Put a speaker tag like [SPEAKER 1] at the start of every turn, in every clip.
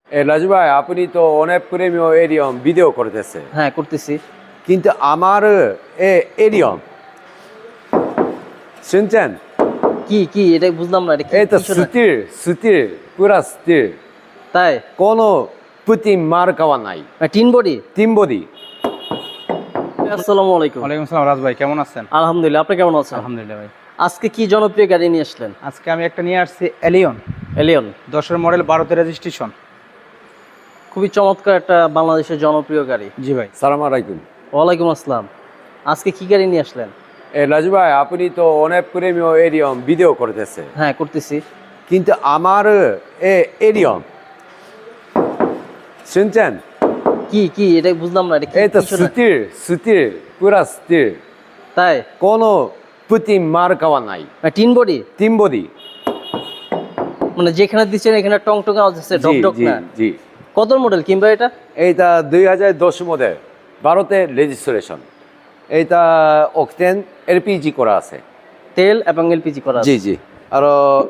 [SPEAKER 1] রাজু ভাই, আপনি তো অনেক প্রেমীয় এরিয়ম ভিডিও করতেছে,
[SPEAKER 2] হ্যাঁ করতেছি।
[SPEAKER 1] কিন্তু আমার এরিয়ম শুনছেন?
[SPEAKER 2] কি কি এটা বুঝলাম না, এটা কি?
[SPEAKER 1] এই তো
[SPEAKER 2] কিছু না।
[SPEAKER 1] সুতির পুরা সুতির,
[SPEAKER 2] তাই
[SPEAKER 1] কোনো পুঁতি মার খাওয়া নাই,
[SPEAKER 2] টিন বডি।
[SPEAKER 1] তিন বডি।
[SPEAKER 2] আসসালামু আলাইকুম।
[SPEAKER 3] ওয়ালাইকুম আসসালাম রাজ ভাই, কেমন আছেন?
[SPEAKER 2] আলহামদুলিল্লাহ, আপনি কেমন আছেন?
[SPEAKER 3] আলহামদুলিল্লাহ ভাই।
[SPEAKER 2] আজকে কি জনপ্রিয় গাড়ি নিয়ে আসলেন?
[SPEAKER 3] আজকে আমি একটা নিয়ে আসছি এলিয়ন
[SPEAKER 2] এলিয়ন।
[SPEAKER 3] 10-এর মডেল, 12তে রেজিস্ট্রেশন।
[SPEAKER 2] খুবই চমৎকার একটা বাংলাদেশের জনপ্রিয় গাড়ি।
[SPEAKER 3] জি ভাই।
[SPEAKER 1] সালাম আলাইকুম।
[SPEAKER 2] ওয়ালাইকুম আসসালাম। আজকে কি গাড়ি নিয়ে আসলেন?
[SPEAKER 1] রাজু ভাই, আপনি তো অনেক প্রেমীয় এরিয়ম ভিডিও করতেছে,
[SPEAKER 2] হ্যাঁ করতেছি।
[SPEAKER 1] কিন্তু আমার এরিয়ম শুনছেন?
[SPEAKER 2] কি কি এটা বুঝলাম না, এটা কি?
[SPEAKER 1] এই তো
[SPEAKER 2] কিছু না।
[SPEAKER 1] সুতির পুরা সুতির,
[SPEAKER 2] তাই
[SPEAKER 1] কোনো পুঁতি মার খাওয়া নাই,
[SPEAKER 2] টিন বডি,
[SPEAKER 1] তিন বডি।
[SPEAKER 2] মানে যেখানে দিচ্ছেন এখানে টং টং আওয়াজ হচ্ছে,
[SPEAKER 1] জি
[SPEAKER 2] ডক ডক
[SPEAKER 1] জি
[SPEAKER 2] না।
[SPEAKER 1] জি।
[SPEAKER 2] কত মডেল কিংবা এটা?
[SPEAKER 1] এইটা 2010 মডেল, 12তে রেজিস্ট্রেশন। এইটা অক্টেন এলপিজি করা আছে।
[SPEAKER 2] তেল এবং এলপিজি করা
[SPEAKER 1] জি জি। আর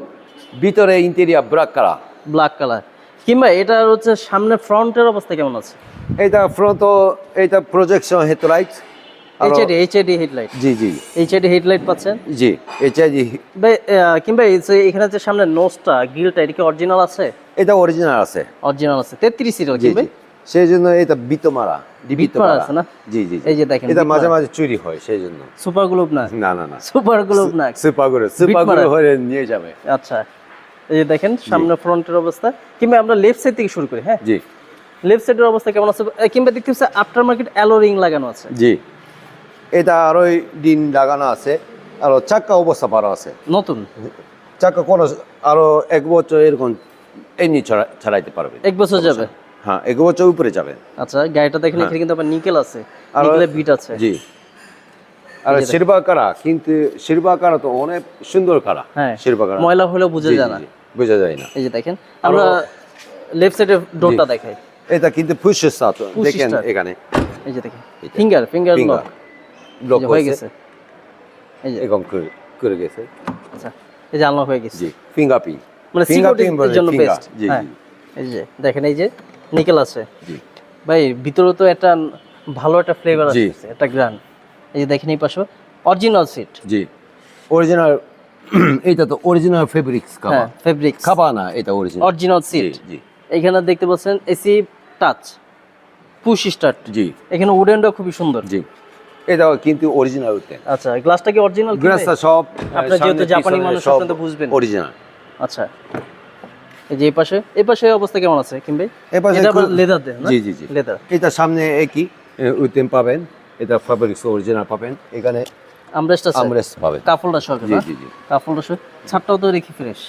[SPEAKER 1] ভিতরে interior black colour.
[SPEAKER 2] Black colour. কিংবা এটা হচ্ছে সামনে ফ্রন্টের অবস্থা কেমন আছে?
[SPEAKER 1] এইটা ফ্রন্ট, এইটা প্রজেকশন হেডলাইট।
[SPEAKER 2] HID headlight.
[SPEAKER 1] জি জি
[SPEAKER 2] এইচআইডি হেডলাইট পাচ্ছেন।
[SPEAKER 1] জি। এইচআইডি।
[SPEAKER 2] কিংবা এখানে যে সামনে নোজটা, গ্রিলটা, এটা কি অরিজিনাল আছে?
[SPEAKER 1] এটা অরিজিনাল আছে।
[SPEAKER 2] অরিজিনাল আছে। 33 সিরিয়াল
[SPEAKER 1] জি
[SPEAKER 2] কিংবা
[SPEAKER 1] জি। সেই জন্য এটা বিতমারা,
[SPEAKER 2] বিটমারা আছে না?
[SPEAKER 1] জি জি।
[SPEAKER 2] এই যে দেখেন,
[SPEAKER 1] এটা মাঝে
[SPEAKER 2] বিটমারা।
[SPEAKER 1] মাঝে চুরি হয়, সেই জন্য।
[SPEAKER 2] সুপার গ্লোব না?
[SPEAKER 1] না না না,
[SPEAKER 2] সুপার গ্লোব না।
[SPEAKER 1] সুপার
[SPEAKER 2] বিটমারা।
[SPEAKER 1] হয়ে নিয়ে যাবে।
[SPEAKER 2] আচ্ছা, এই যে দেখেন সামনে ফ্রন্টের অবস্থা। কিংবা আমরা লেফট সাইড থেকে শুরু করি। হ্যাঁ,
[SPEAKER 1] জি
[SPEAKER 2] লেফট সাইডের অবস্থা কেমন আছে? কিংবা দেখতে পাচ্ছি আফটার মার্কেট অ্যালো রিং লাগানো আছে।
[SPEAKER 1] জি। এটা আরো দিন লাগানো আছে, আর চাক্কা অবস্থা ভালো আছে,
[SPEAKER 2] নতুন
[SPEAKER 1] চাক্কা কোনো আরো 1 বছর এরকম এমনি ছাড়াইতে পারবে।
[SPEAKER 2] 1 বছর যাবে।
[SPEAKER 1] হ্যাঁ, 1 বছর উপরে যাবে।
[SPEAKER 2] আচ্ছা, গাড়িটা দেখেন এখানে কিন্তু আবার নিকেল আছে,
[SPEAKER 1] আর
[SPEAKER 2] নিকেলের বিট আছে।
[SPEAKER 1] জি। আর সিলভার কারা, কিন্তু সিলভার কারা তো অনেক সুন্দর কারা।
[SPEAKER 2] হ্যাঁ,
[SPEAKER 1] সিলভার কারা
[SPEAKER 2] ময়লা হলেও বোঝা যায় না।
[SPEAKER 1] বোঝা যায় না।
[SPEAKER 2] এই যে দেখেন, আমরা লেফট সাইডের ডোরটা দেখাই।
[SPEAKER 1] এটা কিন্তু পুশ স্টার্ট,
[SPEAKER 2] Push
[SPEAKER 1] দেখেন
[SPEAKER 2] start।
[SPEAKER 1] এখানে।
[SPEAKER 2] এই যে দেখেন ফিঙ্গার লক
[SPEAKER 1] লক
[SPEAKER 2] হয়ে গেছে। এই যে
[SPEAKER 1] এরকম করে গেছে।
[SPEAKER 2] আচ্ছা, এই যে আনলক হয়ে গেছে।
[SPEAKER 1] জি, ফিঙ্গারপ্রিন্ট।
[SPEAKER 2] মানে সিকিউরিটির জন্য বেস্ট।
[SPEAKER 1] জি
[SPEAKER 2] হ্যাঁ,
[SPEAKER 1] জি
[SPEAKER 2] এই যে দেখেন, এই যে নিকেল আছে।
[SPEAKER 1] জি।
[SPEAKER 2] ভাই ভিতরে তো একটা ভালো একটা ফ্লেভার
[SPEAKER 1] জি।
[SPEAKER 2] আছে, একটা গ্রান। এই যে দেখেন এই পাশে অরিজিনাল সিট।
[SPEAKER 1] জি, অরিজিনাল। এটা তো অরিজিনাল ফেব্রিক্স কাবা।
[SPEAKER 2] হ্যাঁ, ফেব্রিক্স
[SPEAKER 1] কাবা না, এটা অরিজিনাল।
[SPEAKER 2] Original seat.
[SPEAKER 1] জি।
[SPEAKER 2] এখানে দেখতে পাচ্ছেন এসি টাচ, পুশ স্টার্ট।
[SPEAKER 1] জি
[SPEAKER 2] এখানে উডেনটা খুবই সুন্দর।
[SPEAKER 1] জি। এটাও কিন্তু অরিজিনাল উঠতে।
[SPEAKER 2] আচ্ছা, গ্লাসটা কি অরিজিনাল?
[SPEAKER 1] গ্লাসটা সব,
[SPEAKER 2] আপনারা যেহেতু জাপানি মানুষ,
[SPEAKER 1] সব
[SPEAKER 2] আপনারা তো বুঝবেন।
[SPEAKER 1] অরিজিনাল।
[SPEAKER 2] আচ্ছা, এই যে এই পাশে অবস্থা কেমন আছে কিংবা?
[SPEAKER 1] এই পাশে
[SPEAKER 2] এটা আবার লেদার দেন না?
[SPEAKER 1] জি জি জি।
[SPEAKER 2] লেদার।
[SPEAKER 1] এটা সামনে একই উইটেম পাবেন, এটা ফেব্রিক্স অরিজিনাল পাবেন। এখানে
[SPEAKER 2] আমরেস্ট আছে,
[SPEAKER 1] আমরেস্ট পাবেন।
[SPEAKER 2] কাফলটা সহ
[SPEAKER 1] জি
[SPEAKER 2] না?
[SPEAKER 1] জি জি।
[SPEAKER 2] কাফলটা সহ, ছাদটাও তো রেখি ফ্রেশ।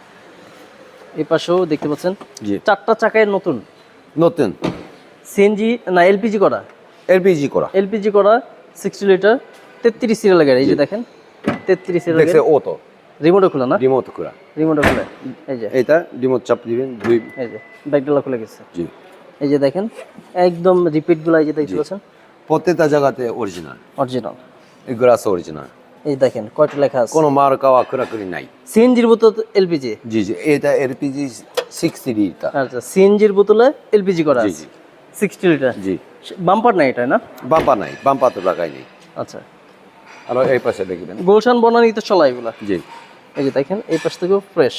[SPEAKER 2] এই পাশেও দেখতে পাচ্ছেন
[SPEAKER 1] জি।
[SPEAKER 2] 4টা চাকায় নতুন,
[SPEAKER 1] নতুন
[SPEAKER 2] সিএনজি না এলপিজি করা?
[SPEAKER 1] এলপিজি করা।
[SPEAKER 2] এলপিজি করা, 60 লিটার, 33 সিরিয়াল গাড়ি। এই যে দেখেন 33 সিরিয়াল
[SPEAKER 1] দেখছে
[SPEAKER 2] গাড়ি।
[SPEAKER 1] অটো
[SPEAKER 2] রিমোটও খোলা না?
[SPEAKER 1] রিমোট করা।
[SPEAKER 2] রিমোটও খোলা। এই যে
[SPEAKER 1] এটা রিমোট চাপ দিবেন, দুই।
[SPEAKER 2] এই যে ব্যাকডালা খুলে গেছে।
[SPEAKER 1] জি।
[SPEAKER 2] এই যে দেখেন একদম রিপিট গুলো, এই যে দেখতে পাচ্ছেন
[SPEAKER 1] প্রত্যেকটা জায়গাতে অরিজিনাল,
[SPEAKER 2] অরিজিনাল।
[SPEAKER 1] এই গ্লাস অরিজিনাল,
[SPEAKER 2] এই দেখেন কয়টা লেখা আছে।
[SPEAKER 1] কোনো মার কাওয়া করি নাই।
[SPEAKER 2] সিএনজির বোতল এলপিজি।
[SPEAKER 1] জি জি। এটা এলপিজি 60 লিটার।
[SPEAKER 2] আচ্ছা, সিএনজির বোতলে এলপিজি করা
[SPEAKER 1] জি
[SPEAKER 2] আছে।
[SPEAKER 1] জি
[SPEAKER 2] 60 লিটার।
[SPEAKER 1] জি।
[SPEAKER 2] বাম্পার নাই এটা না?
[SPEAKER 1] বাম্পা নাই, বাম্পা তো লাগাই নেই।
[SPEAKER 2] আচ্ছা,
[SPEAKER 1] আর এই পাশে দেখবেন।
[SPEAKER 2] গুলশান বনানী তো চলা এগুলা।
[SPEAKER 1] জি।
[SPEAKER 2] এই যে দেখেন এই পাশ থেকেও ফ্রেশ।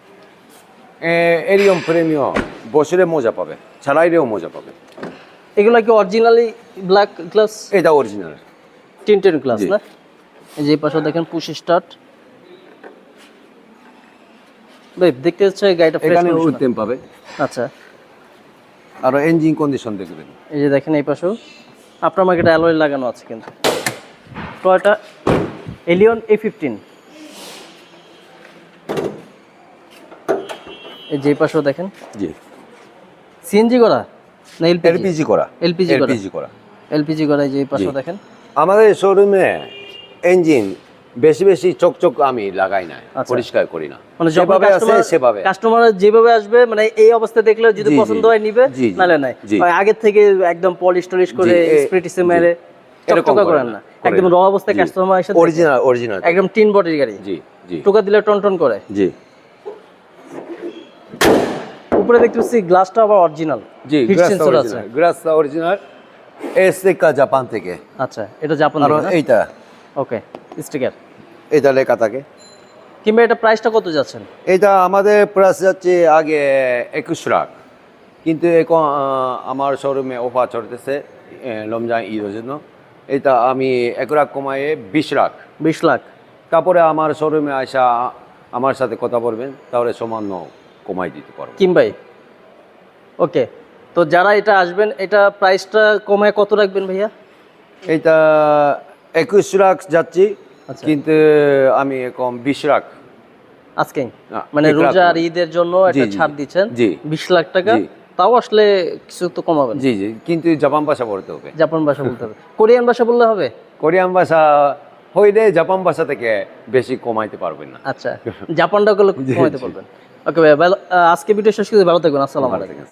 [SPEAKER 1] এরিয়ম প্রিমিয়াম বছরে মজা পাবে, ছাড়াইলেও মজা পাবে।
[SPEAKER 2] এগুলা কি অরিজিনালি ব্ল্যাক গ্লাস?
[SPEAKER 1] এটা অরিজিনাল
[SPEAKER 2] টিনটেন গ্লাস
[SPEAKER 1] জি।
[SPEAKER 2] না? এই যে এই পাশে দেখেন পুশ স্টার্ট। ভাই দেখতে হচ্ছে গাড়িটা ফ্রেশ
[SPEAKER 1] এখানে
[SPEAKER 2] কন্ডিশন।
[SPEAKER 1] উইটেম পাবে।
[SPEAKER 2] আচ্ছা,
[SPEAKER 1] আর ইঞ্জিন কন্ডিশন দেখবেন।
[SPEAKER 2] এই যে দেখেন এই পাশেও আপনার মার্কেটে অ্যালয় লাগানো আছে কিন্তু। Toyota Allion A15। এই যে এই পাশেও দেখেন
[SPEAKER 1] জি।
[SPEAKER 2] সিএনজি করা না
[SPEAKER 1] এলপিজি করা।
[SPEAKER 2] এলপিজি করা?
[SPEAKER 1] এলপিজি করা।
[SPEAKER 2] এলপিজি করা। এই যে এই পাশেও
[SPEAKER 1] জি।
[SPEAKER 2] দেখেন।
[SPEAKER 1] আমাদের শোরুমে ইঞ্জিন বেশি চকচক আমি লাগাই না,
[SPEAKER 2] আচ্ছা।
[SPEAKER 1] পরিষ্কার করি না,
[SPEAKER 2] মানে
[SPEAKER 1] যেভাবে আছে সেভাবে।
[SPEAKER 2] কাস্টমার যেভাবে আসবে, মানে এই অবস্থা দেখলে যদি
[SPEAKER 1] জি, জি,
[SPEAKER 2] পছন্দ হয় নিবে,
[SPEAKER 1] জি, জি,
[SPEAKER 2] নালে নাই।
[SPEAKER 1] জি।
[SPEAKER 2] আগে থেকে একদম পলিশ টলিশ করে স্প্রিটিসে মেরে
[SPEAKER 1] এরকম
[SPEAKER 2] চকচকা করেন না, একদম র অবস্থায় কাস্টমার এসে
[SPEAKER 1] অরিজিনাল
[SPEAKER 2] একদম টিন বডির গাড়ি।
[SPEAKER 1] জি জি
[SPEAKER 2] টোকা দিলে টন টন করে।
[SPEAKER 1] জি।
[SPEAKER 2] উপরে দেখতে পাচ্ছি গ্লাসটা আবার অরিজিনাল
[SPEAKER 1] জি
[SPEAKER 2] হিট
[SPEAKER 1] গ্লাসটা
[SPEAKER 2] সেন্সর আছে
[SPEAKER 1] অরিজিনাল, গ্লাসটা অরিজিনাল, এসেকা জাপান থেকে।
[SPEAKER 2] আচ্ছা এটা জাপান
[SPEAKER 1] আর
[SPEAKER 2] থেকে না?
[SPEAKER 1] এইটা
[SPEAKER 2] ওকে স্টিকার।
[SPEAKER 1] এটা লেখা থাকে।
[SPEAKER 2] কিংবা এটা প্রাইসটা কত যাচ্ছেন?
[SPEAKER 1] এটা আমাদের প্রাইস যাচ্ছে আগে 21 লাখ, কিন্তু এখন আমার শোরুমে অফার চলতেছে রমজান ঈদের জন্য। এটা আমি 1 লাখ কমায়ে 20 লাখ।
[SPEAKER 2] 20 লাখ।
[SPEAKER 1] তারপরে আমার শোরুমে আসা আমার সাথে কথা বলবেন, তাহলে সামান্য কমাই দিতে পারবো।
[SPEAKER 2] কিম ভাই ওকে, তো যারা এটা আসবেন এটা প্রাইসটা কমায় কত রাখবেন ভাইয়া?
[SPEAKER 1] এটা 21 লাখ যাচ্ছি,
[SPEAKER 2] আচ্ছা।
[SPEAKER 1] কিন্তু আমি এখন 20 লাখ।
[SPEAKER 2] আজকে
[SPEAKER 1] না,
[SPEAKER 2] মানে
[SPEAKER 1] 1 লাখ
[SPEAKER 2] রোজা আর
[SPEAKER 1] না।
[SPEAKER 2] ঈদের জন্য
[SPEAKER 1] জি,
[SPEAKER 2] একটা
[SPEAKER 1] জি,
[SPEAKER 2] ছাড় দিচ্ছেন
[SPEAKER 1] জি।
[SPEAKER 2] 20 লাখ টাকা।
[SPEAKER 1] জি।
[SPEAKER 2] তাও আসলে কিছু তো কমাবেন।
[SPEAKER 1] জি জি, কিন্তু জাপান ভাষা পড়তে হবে।
[SPEAKER 2] জাপান ভাষা বলতে হবে, কোরিয়ান ভাষা বললে হবে?
[SPEAKER 1] কোরিয়ান ভাষা হইলে জাপান ভাষা থেকে বেশি কমাইতে পারবেন না।
[SPEAKER 2] আচ্ছা জাপানটা করলে কমাইতে পারবেন। ওকে ভাই, আজকে ভিডিও শেষ করে ভালো থাকবেন। আসসালামু আলাইকুম।